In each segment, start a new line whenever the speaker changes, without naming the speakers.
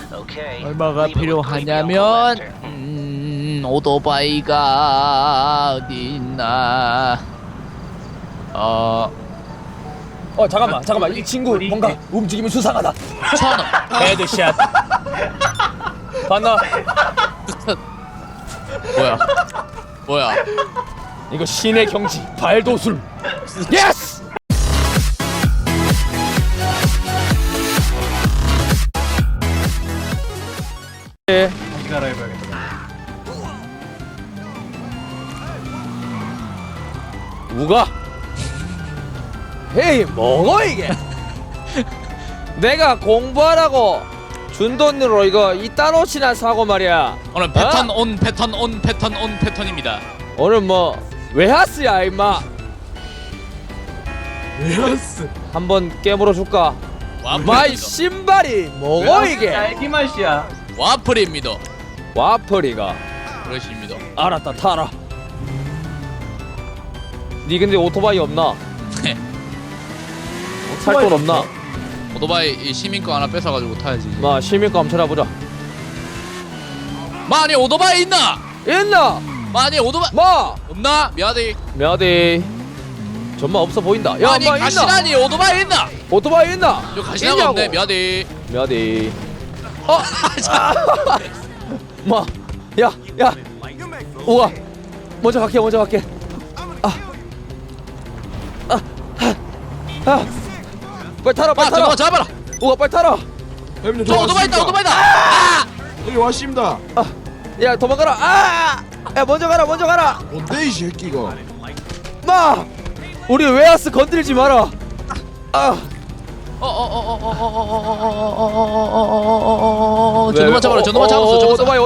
얼마가 필요하냐면 오토바이가 어디 있나.
잠깐만 이 친구 뭔가 움직임이 수상하다.
1,000원.
헤드샷. 봤나?
뭐야?
이거 신의 경지 발도술. 예스!
다시 갈아입어야겠다.
우가? 헤이 뭐고 이게? 내가 공부하라고 준 돈으로 이거 이딴 옷이나 사고 말이야.
오늘 패턴 온 패턴입니다.
오늘 뭐 웨하스야 임마.
웨하스.
한번 깨물어 줄까? 마이 신발이 뭐고 이게?
딸기 맛이야.
와플입니다.
와플이가.
그러십니다.
알았다 타라. 니 근데 오토바이 없나? 살 돈 없나?
오토바이 이 시민 거 하나 뺏어가지고 타야지.
마 시민감 한번 찾아보자.
마니 오토바이 있나?
있나?
마니 오토바이
마!
없나? 미안해.
몇이 정말 없어 보인다. 야,
마니
마 있나?
가시나니 오토바이 있나?
오토바이 있나?
저 가시나가 없네. 미안해.
몇이 마, 야, 우와, 먼저 갈게. 빨리 타라.
잠깐만 잡아라.
우와, 빨리 타라.
형님
저 오토바이다. 아!
여기 왔습니다.
야, 도망가라. 야, 먼저 가라.
뭔데 이 새끼가?
마, 우리 웨하스 건드리지 마라.
저놈만 잡아라. 저놈만 잡았어.
오토바이.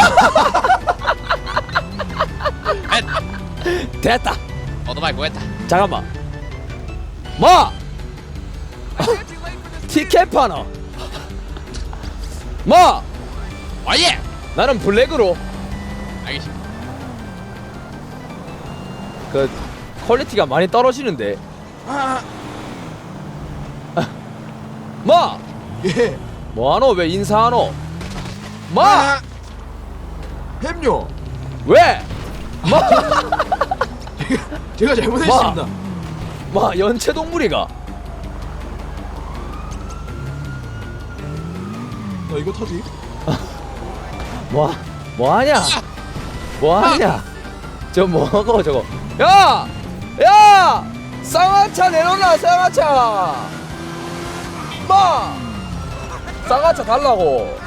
됐다.
오토바이 구했다.
잠깐만. 마! 티켓 파너. 마!
와예.
나는 블랙으로.
알겠습니다.
그 퀄리티가 많이 떨어지는데. 마!
예.
뭐하노? 왜 인사하노? 마!
햄요.
왜? 마!
제가 잘못했습니다.
마 연체동물이가.
나 이거 타지?
뭐하냐? 저 뭐하고 저거. 야! 쌍화차 내놓나 쌍화차. 마! 쌍화차 달라고.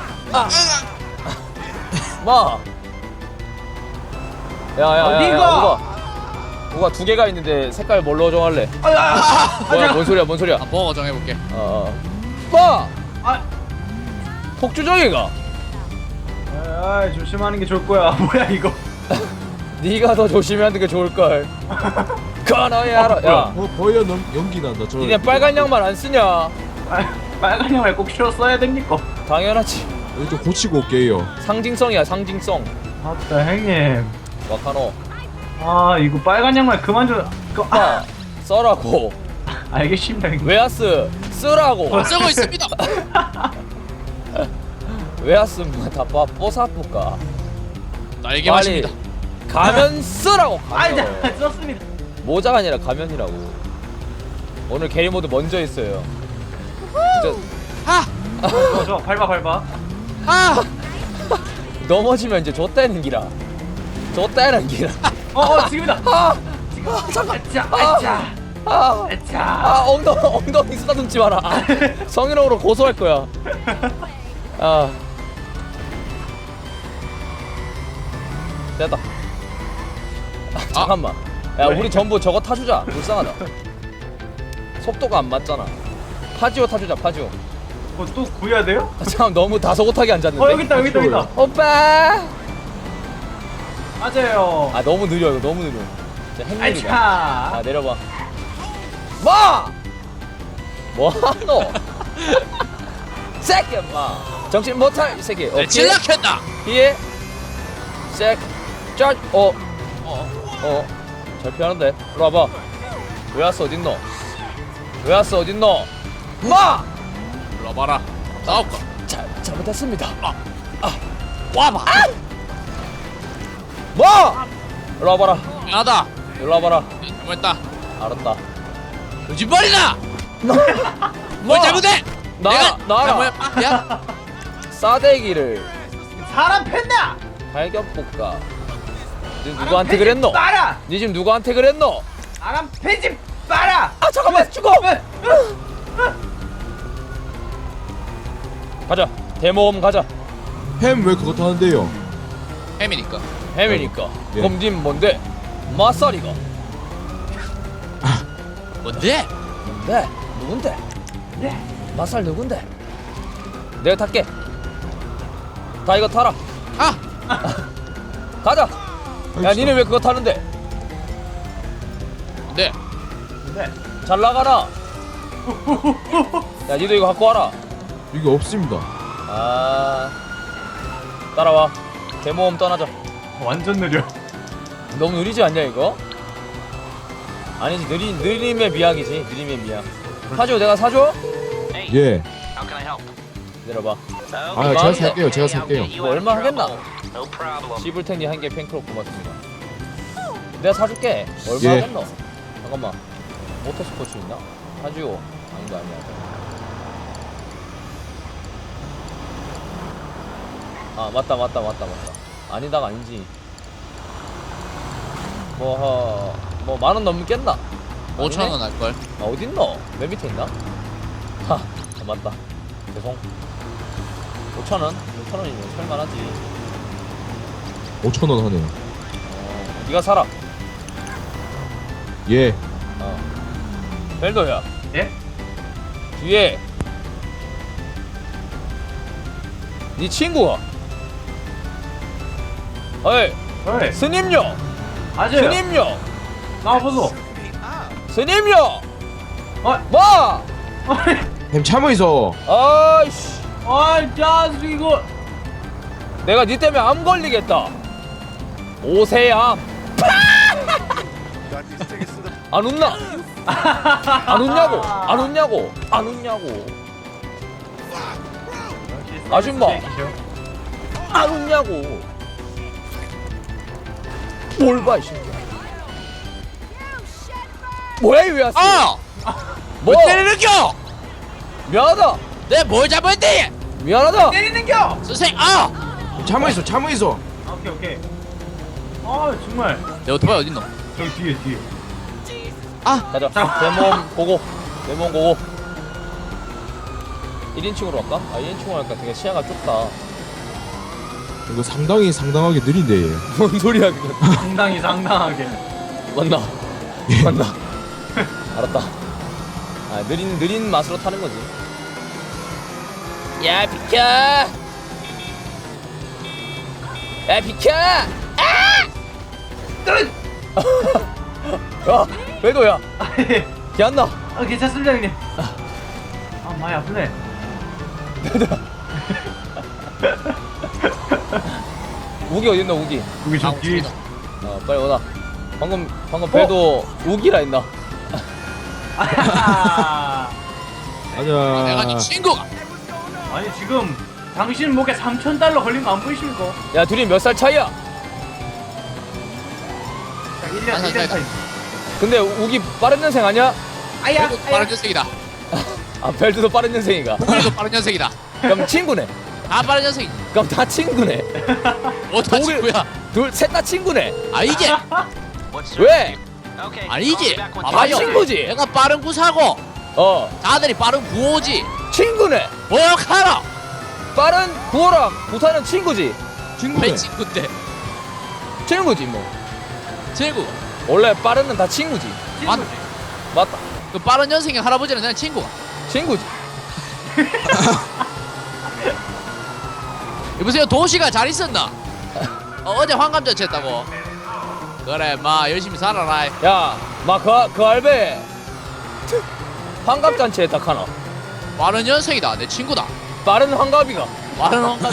마! 야, 우가 두 개가 있는데 색깔 뭘로 정할래? 뭐야, 뭔 소리야?
버거 정해볼게.
마!
아.
폭주정이가.
아, 조심하는 게 좋을 거야. 뭐야 이거?
네가 더 조심하는 게 좋을걸. 그너의 알아. 야,
버여 연기 난다. 저.
니네 빨간 양말 안 쓰냐?
빨간 양말 꼭 실어 써야 됩니까?
당연하지.
여기 좀 고치고 올게요.
상징성이야, 상징성.
맞다 형님.
와카노.
아 이거 빨간 양말 그만 좀.
마 써라고.
알겠습니다 형님.
웨하스 쓰라고.
쓰고 있습니다.
웨하스 다 뽀사뿌까.
날개 맛입니다.
가면 쓰라고.
아이
가면.
자 썼습니다.
모자가 아니라 가면이라고. 오늘 게리 모드 먼저 했어요. 진짜
저 밟아.
넘어지면 이제 좆다는 기라.
지금이다.
잠깐.
아차.
엉덩이 쓰다듬지 마라. 성희롱으로 고소할 거야. 됐다. 잠깐만. 야,
왜?
우리 전부 저거 타주자. 불쌍하다. 속도가 안 맞잖아. 파지오 타주자. 파지오.
또 구해야 돼요?
참 너무 다소곳하게 앉았는데.
여기 있다.
오빠.
맞아요.
너무 느려. 이거 너무 느려. 진짜 행렬이다.
아차.
내려봐. 마! 뭐하노? 새끼 마. 정신 못할 이 새끼.
내 칠락했다.
예. 색. 짜. 잘 피하는데. 이리 와봐. 웨하스 어딨노? 마!
불러봐라. 싸울까?
잘못했습니다.
와봐.
뭐? 일로 와봐라.
미안하다.
일로 와봐라.
잘못했다.
알았다.
거짓말이다. 뭘 잘못해? 내가 잘못했다. 야,
싸대기를
사람 팬다.
발견볼까? 니 누구한테 그랬노?
빨아.
니 지금 누구한테 그랬노?
사람 팬지 빨아.
아 잠깐만 죽어! 가자. 대모험 가자.
햄 왜 그것도 하는데요?
햄이니까.
햄이니까.
예.
그럼 님 뭔데? 마사리가.
뭔데?
네. 누군데?
네.
마살 누군데? 내가 탈게. 다 이거 타라.
아,
가자. 야 니네 왜 그거 타는데?
뭔데?
네.
잘 나가라. 야 니도 이거 갖고 와라.
이게 없습니다.
아 따라와. 대모험 떠나자.
완전 느려.
너무 느리지 않냐 이거? 아니지 느림의 미학이지. 느림의 미학. 사줘. 내가 사줘?
예.
내려봐.
아 제가 살게요. 제가 살게요.
이거 얼마 하겠나? 시블탱님 한 개 팬클럽 고맙습니다. 내가 사줄게. 얼마
예.
하겠노? 잠깐만. 모터스포츠 있나? 사주요. 아니다 아니야. 아 맞다. 아니다가 아니지. 뭐 10,000원 넘겠나?
5,000원 할 걸.
아 어딨노? 맨 밑에 있나? 하 맞다. 죄송. 5,000원? 5,000원이면 살만하지.
5,000원 하네요.
네가 사라.
예.
벨도야
예?
뒤에 네 친구가 어이
어이.
스님요
아재.
스님요
나와보소.
스님요
어.
뭐
햄 참어 있어.
아이씨
아이 자식 이거.
내가 네 때문에 암 걸리겠다. 오세암 안 웃나? 안 웃냐고? 안 웃냐고? 안 웃냐고? 아줌마 안 웃냐고? 뭘 봐 이 새끼야. 뭐야 이 왜왔어?
아,
뭐?
뭐 때리는겨?
미안하다.
내 뭘 잘못했대?
미안하다.
때리는겨.
선생, 아,
햄 참어 있어. 참어 있어.
아, 오케이. 아 정말.
내 오토바이 어딨노?
저기 뒤에.
가자. 대모험 고고. 대모험 고고. 1인칭으로 할까? 아 1인칭으로 할까? 되게 시야가 좁다.
이거 상당하게 느린데 얘.
뭔 소리야 그거.
상당하게.
맞나? 맞나? 알았다. 아 느린 맛으로 타는 거지. 야 비켜! 야 비켜! 야 왜도야? 기안나.
아 괜찮습니다 형님. 아 많이 아프네.
우기 어딨나 우기?
여기 저 뒤에.
빨리 오나. 방금 배도 우기라 했나?
내가 네
가자.
친구가.
아니 지금 당신 목에 3,000달러 걸린 거 안 보이십니까?
야 둘이 몇 살 차이야?
딱 1년
한 살
1년 차이.
근데 우기 빠른 년생 아니야?
아야.
그래도 빠른 년생이다.
아 벨트도 빠른 년생이가.
우리도 빠른 년생이다.
그럼 친구네.
다 빠른 년생이.
그럼 다 친구네.
어다
독일-
친구야.
셋 다 친구네.
아 이게
왜?
아니지.
다
봐봐요.
친구지.
내가 빠른 구사고 다들이 빠른 구호지.
친구네.
뭐하러?
빠른 구호랑 부사는 친구지.
친구네.
왜 친구인데?
친구지 뭐.
친구.
원래 빠른은 다 친구지.
친구지.
맞다.
그 빠른 년생의 할아버지는 그냥 친구가.
친구지.
여보세요, 도시가 잘 있었나? 어제 환감잔치 했다고. 그래, 마 열심히 살아라.
야, 그 알베 환갑잔치에 딱 하나.
빠른 년생이다, 내 친구다.
빠른 환갑이가.
빠른 환감.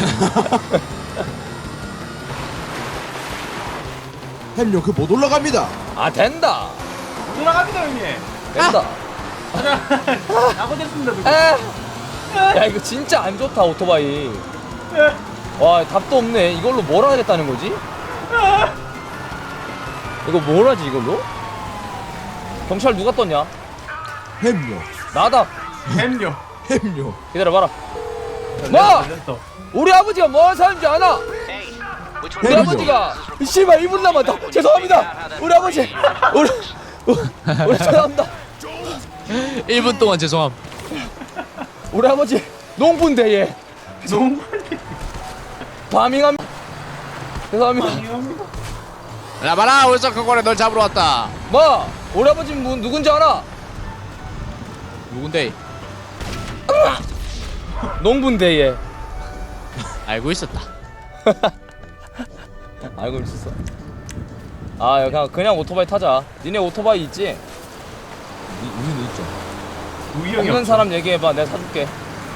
햄요 그 못 올라갑니다.
아 된다.
돌아갑니다 형님.
된다.
나고 됐습니다 누구.
에. 야 이거 진짜 안 좋다 오토바이. 와 답도 없네. 이걸로 뭘 하겠다는 거지? 이거 뭘 하지 이걸로? 경찰 누가 떴냐?
햄요.
나다.
햄요.
햄요.
기다려봐라. 뭐?
됐어.
우리 아버지가 뭐 사는지 아나? 우리
햄요.
아버지가 씨발 1분 남았다. 죄송합니다. 우리 아버지. 우리 죄송합니다.
1분 동안 죄송함.
우리 아버지 농부인데 얘
너무
파밍함. 죄송합니다.
야 봐라 울산 큰고래 널 잡으러 왔다.
뭐? 우리 아버지 누군지 알아?
누군데?
농부인데 얘.
알고 있었다.
알고 있었어. 아 그냥 오토바이 타자. 니네 오토바이 있지?
우리는 있죠.
우영이
없는
없어.
사람 얘기해봐. 내가 사줄게.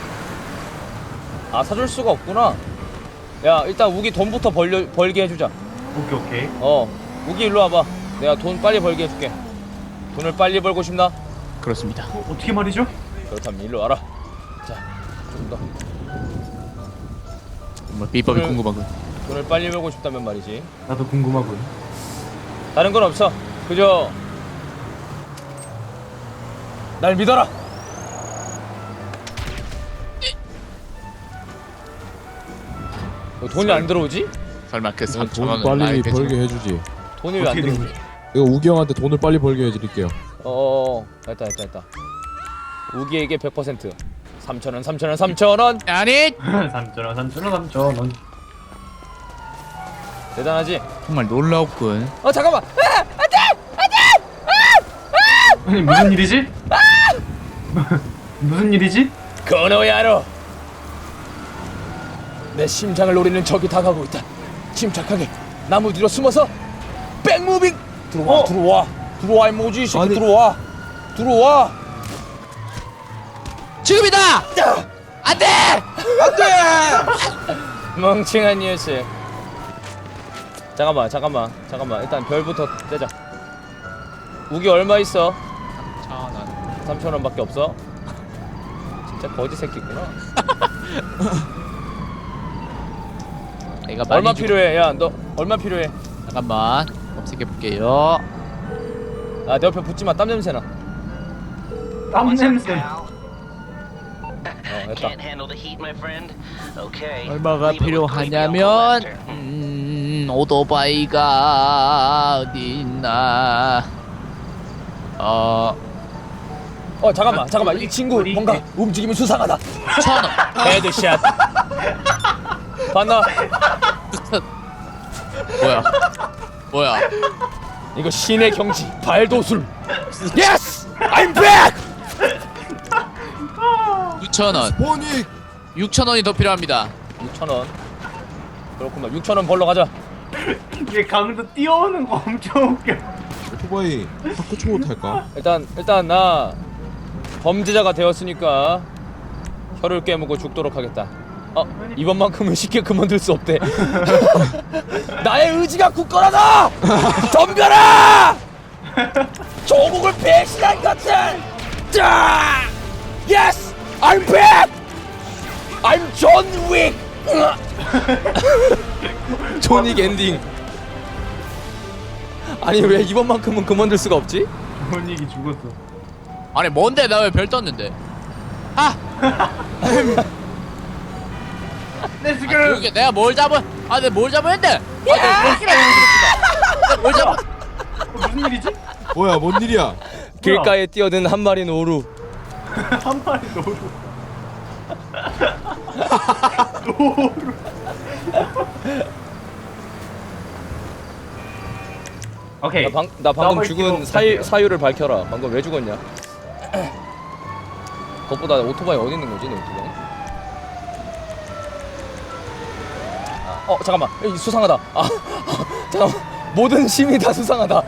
아 사줄 수가 없구나. 야 일단 우기 돈부터 벌게 해주자.
오케이.
우기 일로 와봐. 내가 돈 빨리 벌게 해줄게. 돈을 빨리 벌고 싶나?
그렇습니다.
어떻게 말이죠?
그렇다면 일로 와라. 자, 좀 더.
정말 비법이
오늘-
궁금하군.
돈을 빨리 벌고 싶다면 말이지.
나도 궁금하군.
다른 건 없어. 그저 날 믿어라. 돈이 안 들어오지?
설마 그
돈
3천 원은
빨리
나의 배송.
벌게 해주지.
돈이 왜 안
어떻게 된
들어오지?
이거 우기 형한테 돈을 빨리 벌게 해드릴게요.
됐다. 우기에게 100%. 3,000원, 3,000원, 3,000원.
아니
3,000원.
대단하지?
정말 놀라웠군.
잠깐만.
아니 무슨 일이지? 무슨 일이지?
건호야로. 내 심장을 노리는 적이 다가오고 있다. 침착하게 나무 뒤로 숨어서 백무빙. 들어와 이 모지 이 새끼.
아니-
들어와.
지금이다. 안돼.
멍청한 녀석. 잠깐만. 일단 별부터 떼자. 우기 얼마 있어?
3천 원.
3,000원밖에 없어? 진짜 거지 새끼구나.
내가 많이
얼마
주고-
필요해? 야, 너 얼마 필요해?
잠깐만 검색해 볼게요.
아, 내 옆에 붙지 마. 땀 냄새 나.
땀 냄새.
됐다.
얼마가 필요하냐면 오토바이가 어디 있나?
잠깐만. 이 친구 뭔가 움직임이 수상하다.
1,000원.
헤드샷. 봤나?
뭐야?
이거 신의 경지. 발도술. 예스! I'm back!
6,000원.
보니
6,000원이 더 필요합니다.
6,000원. 그렇구만. 6,000원 벌러 가자.
얘 강도 뛰어오는 거 엄청 웃겨.
오토바이 학교 초보 탈까?
일단 나 범죄자가 되었으니까 혀를 깨물고 죽도록 하겠다. 이번만큼은 쉽게 그만둘 수 없대. 나의 의지가 굳건하다. 덤벼라. 조국을 배신한 것들. 자, yes, I'm back. I'm John Wick. 존윅 엔딩. 아니 왜 이번만큼은 그만둘 수가 없지?
뭔 얘기 죽었어.
아니 뭔데 나 왜 별 떴는데?
내 지금
그러게 내가 뭘 잡은? 내가 뭘 잡았는데? 뭘 잡아?
무슨 일이지?
뭐야 뭔 일이야?
길가에 뛰어든 한 마리 노루.
한 마리 노루. 오케이.
나 방금
나머지
죽은
필요
사유를 밝혀라. 방금 왜 죽었냐? 그것보다 오토바이 어디 있는 거지, 내 오토바이? 잠깐만. 수상하다. 잠깐만. 모든 시민이 다 수상하다.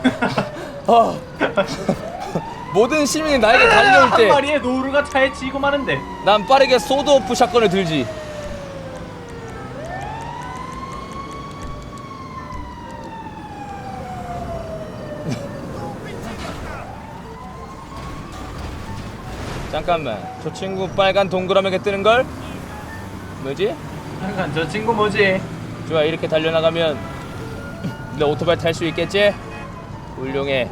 모든 시민이 나에게 달려올
한
때
마리의 노루가 차에 치고 마는데.
난 빠르게 소드 오프 샷건을 들지. 잠깐만. 저 친구 빨간 동그라미가 뜨는 걸? 뭐지?
잠깐 저 친구 뭐지?
좋아, 이렇게 달려나가면 내 오토바이 탈 수 있겠지? 훌륭해.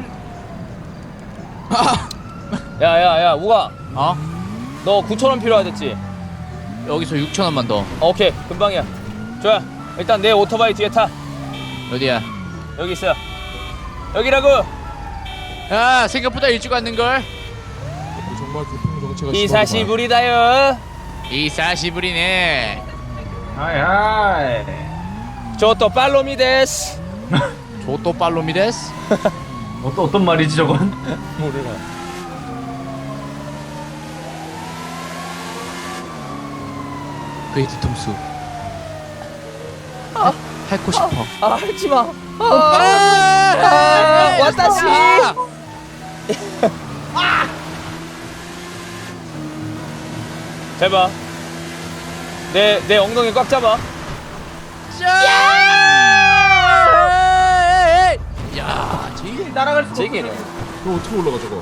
야야야, 우가.
어?
너 9,000원 필요하댔지?
여기서 6,000원만 더.
오케이, 금방이야. 좋아, 일단 내 오토바이 뒤에 타.
어디야?
여기 있어. 여기라고.
야, 생각보다 일찍 왔는걸?
정말 교통 정체가
히사시부리다요.
이사시부리네.
하이.
저또 팔로미 데스.
조또 팔로미 데스?
어떤 말이지 저건?
모르나.
그의 뒤통수. 핥고 싶어.
아, 하지 마.
아,
와타시. 잘 봐. 내 엉덩이 꽉 잡아.
야, 지.
따라갈 수가
제기네.
없어.
너 어떻게 올라가 저거?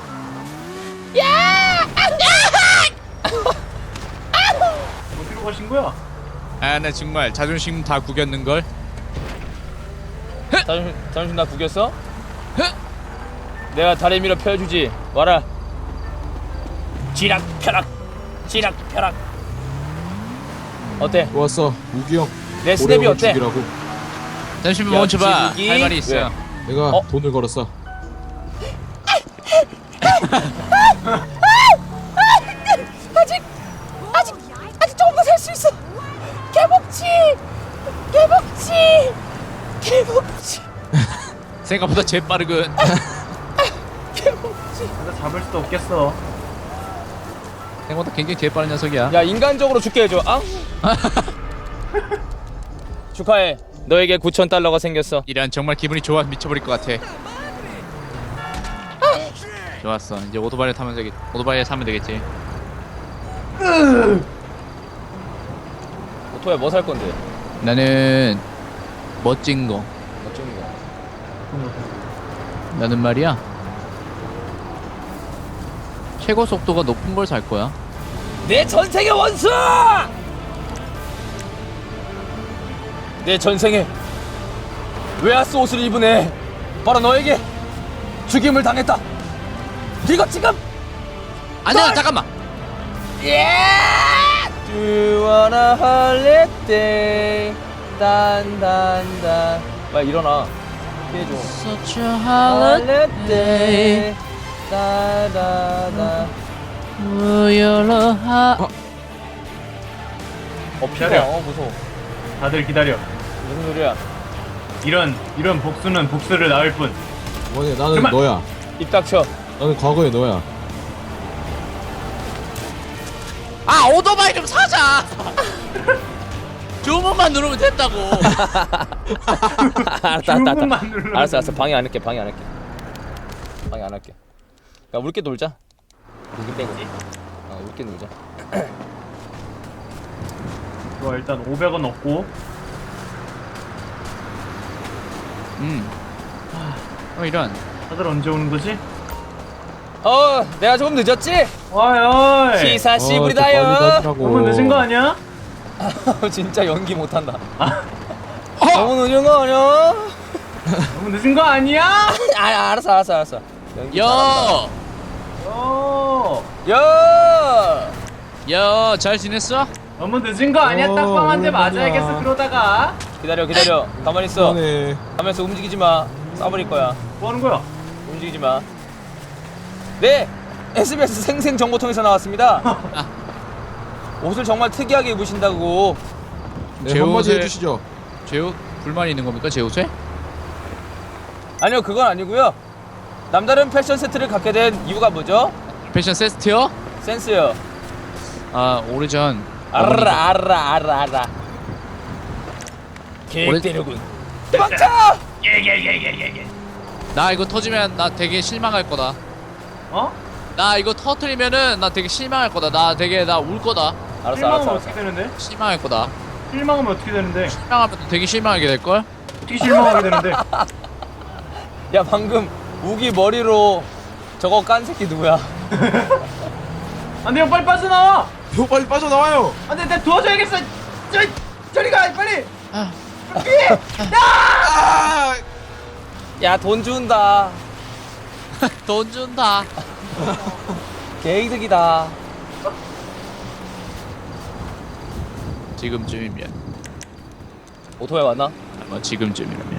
어디로 가신 거야?
아, 나 정말 자존심 다 구겼는걸?
잠시 나 구겼어? 내가 다리 밀어 펴주지. 와라. 지락펴락. 지락펴락. 어때?
좋았어. 우기 형.
내 스텝이 어때?
죽이라고.
잠시만
야,
멈춰봐.
지국이?
할 말이 있어.
왜?
내가
어?
돈을 걸었어.
아직 조금 더 살 수 있어. 개복치.
생각보다 재빠르군.
내가 잡을 수도 없겠어.
생각보다 굉장히 재빠른 녀석이야.
야, 인간적으로 죽게 해줘. 아? 축하해. 너에게 9,000달러가 생겼어.
이란 정말 기분이 좋아 미쳐버릴 것 같아. 좋았어. 이제 오토바이를 사면 되겠지.
오토바이 뭐 살 건데?
나는 멋진 거.
멋진 거.
나는 말이야. 최고 속도가 높은 걸 살 거야.
내 전생의 원수! 내 전생에 웨하스 옷을 입은 애 바로 너에게 죽임을 당했다. 이거 지금
아니야, 잠깐만.
예! Do you wanna holiday? 딴딴딴. 빨리 일어나. 피해줘.
Such a
holiday. 따다다.
기다려.
무서워.
다들 기다려.
무슨 소리야?
이런 복수는 복수를 낳을 뿐.
뭐냐, 나는
그만!
너야.
입 닥쳐.
나는 과거의 너야.
아, 오토바이 좀 사자. 주문만 누르면 됐다고.
알았다.
주문만 눌러.
알았어. 방해 안 할게. 방해 안 할게. 야, 우리끼리 놀자. 우리 빼고. 우리끼리 놀자.
좋아, 일단 500원 얻고.
이런.
다들 언제 오는 거지?
내가 조금 늦었지?
어이.
시사시부리다요.
너무 늦은 거 아니야?
진짜 연기 못한다. 너무 늦은 거 아니야?
너무 늦은 거 아니야?
알았어. 연기 잘한다.
어.
잘 지냈어?
너무 늦은 거 아니야? 딱방한테
오랜만이야.
맞아야겠어 그러다가.
기다려. 가만히 있어.
그만해.
가면서 움직이지 마. 쏴버릴 거야.
뭐 하는 거야?
움직이지 마. 네, SBS 생생정보통에서 나왔습니다. 옷을 정말 특이하게 입으신다고.
네,
제
한마디
옷에-
해주시죠.
제 옷 불만이 있는 겁니까, 제 옷에?
아니요, 그건 아니고요. 남다른 패션 세트를 갖게 된 이유가 뭐죠?
패션 세스트요?
센스요.
아, 오래전
알아. 계획대로군. 도망쳐!
나 이거 터지면 나 되게 실망할 거다.
어?
나 이거 터트리면은 나 되게 실망할 거다. 나 울 거다.
실망하면 어떻게 되는데?
실망할 거다.
실망하면 어떻게 되는데?
실망하면 또 되게 실망하게 될 걸.
어떻게 실망하게 되는데?
야, 방금 우기 머리로 저거 깐 새끼 누구야?
안돼 형 빨리 빠져나와.
형 빨리 빠져나와요.
안돼 내가 도와줘야겠어. 저리 가 빨리.
아,
아!
야 돈 준다.
돈 준다.
개이득이다.
지금쯤이면.
오토바이 왔나?
뭐 지금쯤이라면.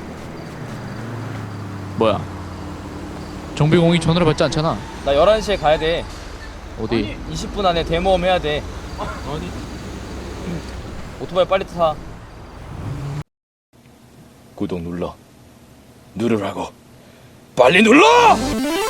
뭐야? 정비공이 전화를 받지 않잖아.
나 11시에 가야 돼.
어디?
20분 안에 대모험 해야 돼.
아니
오토바이 빨리 타.
구독 눌러 누르라고 빨리 눌러!